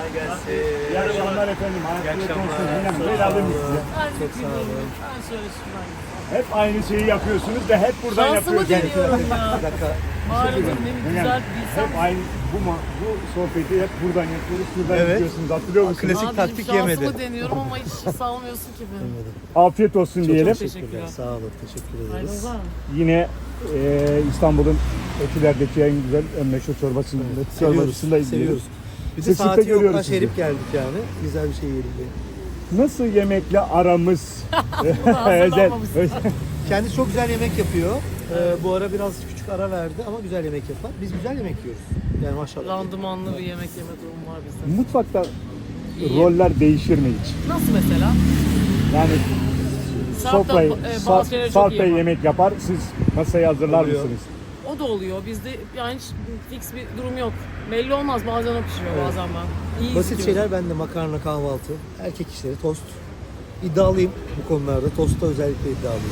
Kolay gelsin. İyi akşamlar efendim. İyi akşamlar. Çok sağ olun. Ben şöyle şuradan. Hep aynı şeyi yapıyorsunuz da hep buradan Şansımı yapıyorsunuz. deniyorum ya. Bir dakika. Mağaradım ne güzel bilsem. Hep aynı bu sohbeti hep buradan yapıyoruz. Şuradan Evet. yapıyorsunuz. Hatırlıyor musunuz? Klasik Abicim, taktik şansımı yemedi. deniyorum ama hiç salmıyorsun ki beni. Afiyet olsun diyelim. çok teşekkürler. Sağ olun. Teşekkür Hayırlı ederiz. var mı? Yine İstanbul'un Etiler'deki en güzel, en meşhur çorbasındayız. Seviyoruz. Seviyoruz. Bir de Sık sık da saati görüyoruz yoktan sizi. şerif geldik yani. Güzel bir şey yiyelim diye. Nasıl yemekle aramız? Hazırlanmamışsın. Kendisi çok güzel yemek yapıyor. Bu ara biraz küçük ara verdi ama güzel yemek yapar. Biz güzel yemek yiyoruz. Yani maşallah. Randımanlı bir yemek yeme durumu var bizde. Mutfakta İyi. roller değişir mi hiç? Nasıl mesela? Yani Sarp da, sofrayı, bazı şeyleri çok Sarp iyi Bey yapar. yemek yapar, siz masayı hazırlar Oluyor. mısınız? O da oluyor. Bizde yani hiç fix bir durum yok. Belli olmaz. Bazen o pişiriyor, Evet. bazen ben. İyi Basit istiyorum. şeyler bende, makarna, kahvaltı, erkek işleri, tost. İddialıyım bu konularda. Tostta özellikle iddialıyım.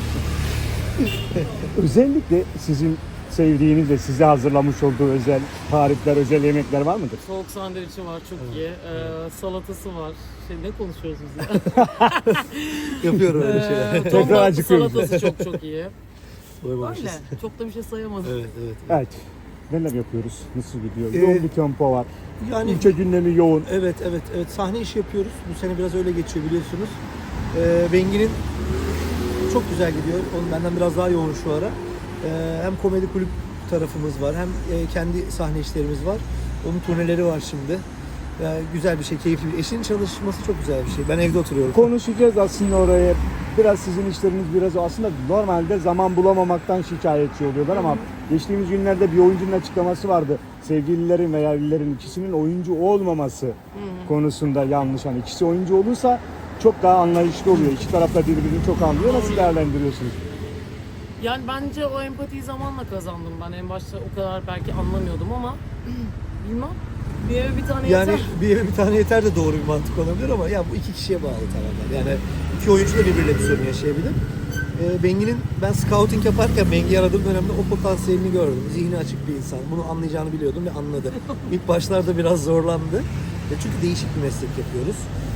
Özellikle sizin sevdiğiniz ve size hazırlamış olduğu özel tarifler, özel yemekler var mıdır? Soğuk sandviçi var, çok iyi. Salatası var. Ne konuşuyoruz biz ya? Yapıyorum öyle şeyler. Tekrar Ton balıklı acıkıyoruz. salatası çok iyi. Doymamışız. Öyle. Çok da bir şey sayamadım. Evet, evet. Evet. Neler yapıyoruz? Nasıl gidiyor? Ee, Yoğun bir tempo var. Yani İlçe gündemi yoğun. evet. Sahne işi yapıyoruz. Bu sene biraz öyle geçiyor biliyorsunuz. Bengi'nin çok güzel gidiyor. Onun benden biraz daha yoğun şu ara. Hem komedi kulüp tarafımız var, hem kendi sahne işlerimiz var. Onun turneleri var şimdi. Güzel bir şey, keyifli bir. Eşinin çalışması çok güzel bir şey. Ben evde oturuyorum. Konuşacağız aslında oraya. Biraz sizin işleriniz biraz aslında normalde zaman bulamamaktan şikayetçi oluyorlar ama geçtiğimiz günlerde bir oyuncunun açıklaması vardı. Sevgililerin veya evlilerin ikisinin oyuncu olmaması konusunda yanlış. Hani ikisi oyuncu olursa çok daha anlayışlı oluyor. İki taraf da birbirini çok anlıyor. Nasıl değerlendiriyorsunuz? Yani bence o empatiyi zamanla kazandım ben. En başta o kadar belki anlamıyordum ama bilmem. Bir eve bir tane Yani yeter. bir eve bir tane yeter de doğru bir mantık olabilir ama ya bu iki kişiye bağlı tamamen. Yani iki oyuncu da birbiriyle bir sorun yaşayabilir. Bengi'nin, ben scouting yaparken Bengi'yi aradığım dönemde o potansiyelini gördüm. Zihni açık bir insan. Bunu anlayacağını biliyordum ve anladı. İlk başlarda biraz zorlandı. Çünkü değişik bir meslek yapıyoruz.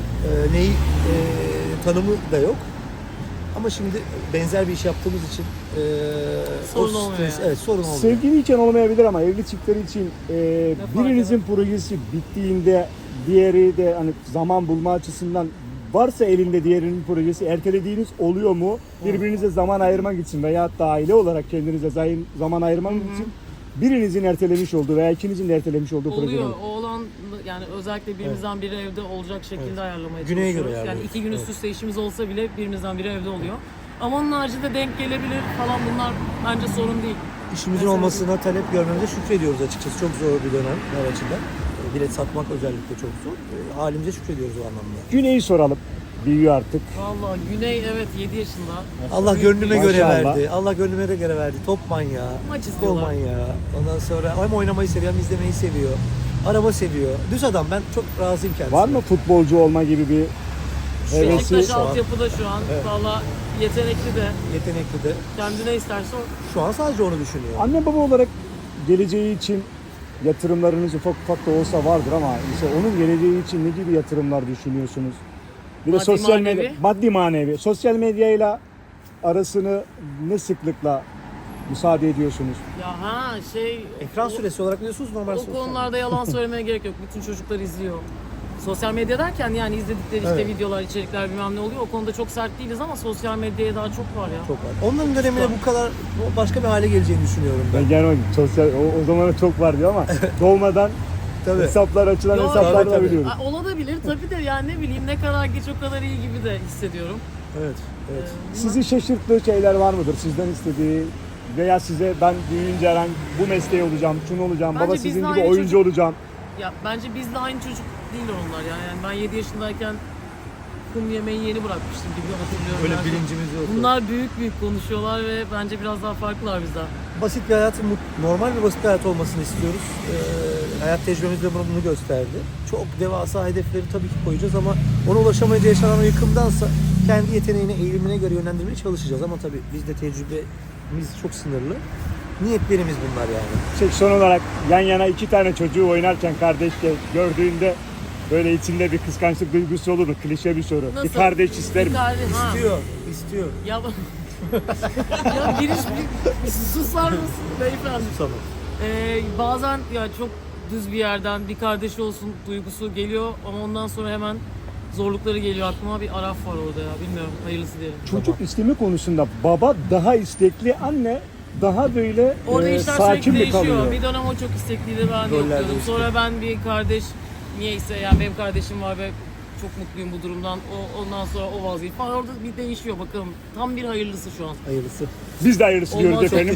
Tanımı da yok. Ama şimdi benzer bir iş yaptığımız için Sorun olmuyor yani. Evet, sorun olmuyor. Sevgili için olmayabilir ama evli çiftler için fark birinizin projesi bittiğinde diğeri de hani zaman bulma açısından varsa elinde diğerinin projesi ertelediğiniz oluyor mu? Birbirinize zaman ayırmak için veya da aile olarak kendinize zaman ayırmak için birinizin ertelemiş olduğu veya ikinizin de ertelemiş olduğu proje Oluyor. olur. O olan yani özellikle birimizden biri evde olacak şekilde ayarlamaya Güneye göre çalışıyoruz. Yani ayarlıyoruz. 2 gün üst üste işimiz olsa bile birimizden biri evde oluyor. Ama onun haricinde denk gelebilir falan, bunlar bence sorun değil. İşimizin Mesela olmasına talep görmemize şükrediyoruz açıkçası. Çok zor bir dönem her açıdan. Bilet satmak özellikle çok zor. Halimize şükrediyoruz o anlamda. Güney'i soralım. Büyüyor artık. Vallahi Güney evet 7 yaşında. Allah Büyük gönlüme bir- göre Maşallah. verdi. Allah gönlüme de göre verdi. Top manyağı, Maç futbol istiyorlar. manyağı. Ondan sonra hem oynamayı seviyor hem izlemeyi seviyor. Araba seviyor. Düz adam, ben çok razıyım kendisine. Var mı futbolcu olma gibi bir hevesi? Beşiktaş Şu an- altyapıda şu an. Evet. Valla yetenekli de. Yetenekli de. Kendi ne isterse o. Şu an sadece onu düşünüyor. Anne baba olarak geleceği için yatırımlarınız ufak ufak da olsa vardır ama mesela onun geleceği için ne gibi yatırımlar düşünüyorsunuz? Bir de Maddi, sosyal manevi. medya, maddi manevi. Sosyal medyayla arasını ne sıklıkla müsaade ediyorsunuz? Ya Ekran süresi olarak biliyorsunuz normal O sosyal. konularda yalan söylemeye gerek yok. Bütün çocuklar izliyor. Sosyal medya derken yani izledikleri işte Evet. videolar, içerikler bilmem ne oluyor. O konuda çok sert değiliz ama sosyal medyaya daha çok var ya. Çok var. Onların döneminde bu kadar başka bir hale geleceğini düşünüyorum ben. Ben genel olarak sosyal, o zamana çok var diyor ama doğmadan Tabii. hesaplar açılan Yo, hesaplar tabii, da tabii. biliyoruz. Olabilir tabii de yani ne bileyim, ne kadar geç o kadar iyi gibi de hissediyorum. Evet, evet. Sizi şaşırttığı şeyler var mıdır? Sizden istediği veya size ben büyüyünce herhangi bu mesleği olacağım, şunu olacağım, Bence baba biz sizin de gibi aynı oyuncu çocuk- olacağım. Ya bence bizle aynı çocuk değil onlar yani. Yani ben 7 yaşındayken kum yemeği yeni bırakmıştım gibi hatırlıyorum. Öyle yani. bilincimiz yok. Bunlar büyük büyük konuşuyorlar ve bence biraz daha farklılar bizden. Basit bir hayatın, normal bir basit bir hayat olmasını istiyoruz. Hayat tecrübemiz de bunu gösterdi. Çok devasa hedefleri tabii ki koyacağız ama ona ulaşamayınca yaşanan o yıkımdansa kendi yeteneğine, eğilimine göre yönlendirmeye çalışacağız. Ama tabii bizde tecrübemiz çok sınırlı. Niyetlerimiz bunlar yani. Son olarak yan yana iki tane çocuğu oynarken kardeşle gördüğünde böyle içinde bir kıskançlık duygusu olur mu? Klişe bir soru. Nasıl? Bir kardeş ister mi? Bir kardeş, ha. İstiyor. Ya, ya bir susar mısın beyefendi? Tamam. Bazen ya çok düz bir yerden bir kardeşi olsun duygusu geliyor ama ondan sonra hemen zorlukları geliyor aklıma. Bir araf var orada ya, bilmiyorum, hayırlısı diyelim. Çocuk isteme konusunda baba daha istekli, anne daha böyle Orada işler sakin sürekli mi değişiyor. kalıyor? Bir dönem o çok istekliydi, ben Roller yokluyordum. değişti. Sonra ben bir kardeş, niyeyse yani benim kardeşim var ve çok mutluyum bu durumdan. Ondan sonra o vazgeçti falan. Orada bir değişiyor bakalım. Tam bir hayırlısı şu an. Hayırlısı. Biz de hayırlısı Olmaz, diyoruz çok efendim.